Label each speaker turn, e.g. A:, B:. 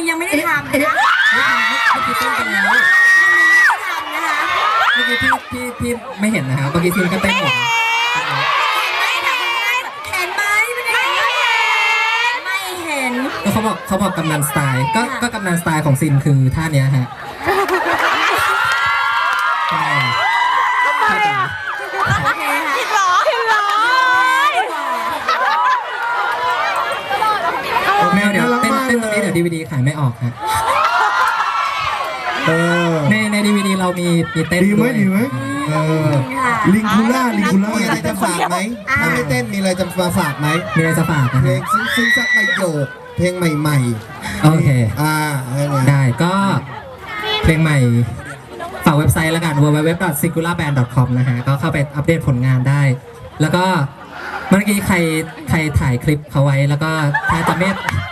A: ยังไม่ได้ทำนะ
B: เมื่อกี้เต้นกันแล้วเมื่อกี้พี่ไม่เห็นนะครับเมื่อกี้ซินก็เต้นหมดแล้วเขาบอกกำนันสไตล์ก็กำนันสไตล์ของซินคือท่าเนี้ยฮะทำไมอ่ะ
A: โอเคค่ะ
C: ผิดหรอ
B: เดี๋ยวเต้นตรงนี้เดี๋ยว DVD ขายไม่ออกฮะใน DVD เรามีเต้นด้วย
D: ดีไหมลิงคูล่ามีอะไรจะฝากไหมถ้าไม่เต้นมีอะไรจะมาฝากไหม
B: มีอะไรจะฝากนะ
D: เพลงซึ้งสักประโยคเพลงใหม่
B: ๆโอเคได้ก็เพลงใหม่ฝากเว็บไซต์แล้วกัน www.singularband.com นะฮะก็เข้าไปอัปเดตผลงานได้แล้วก็เมื่อกี้ใครถ่ายคลิปเขาไว้แล้วก็ถ้าจะไม่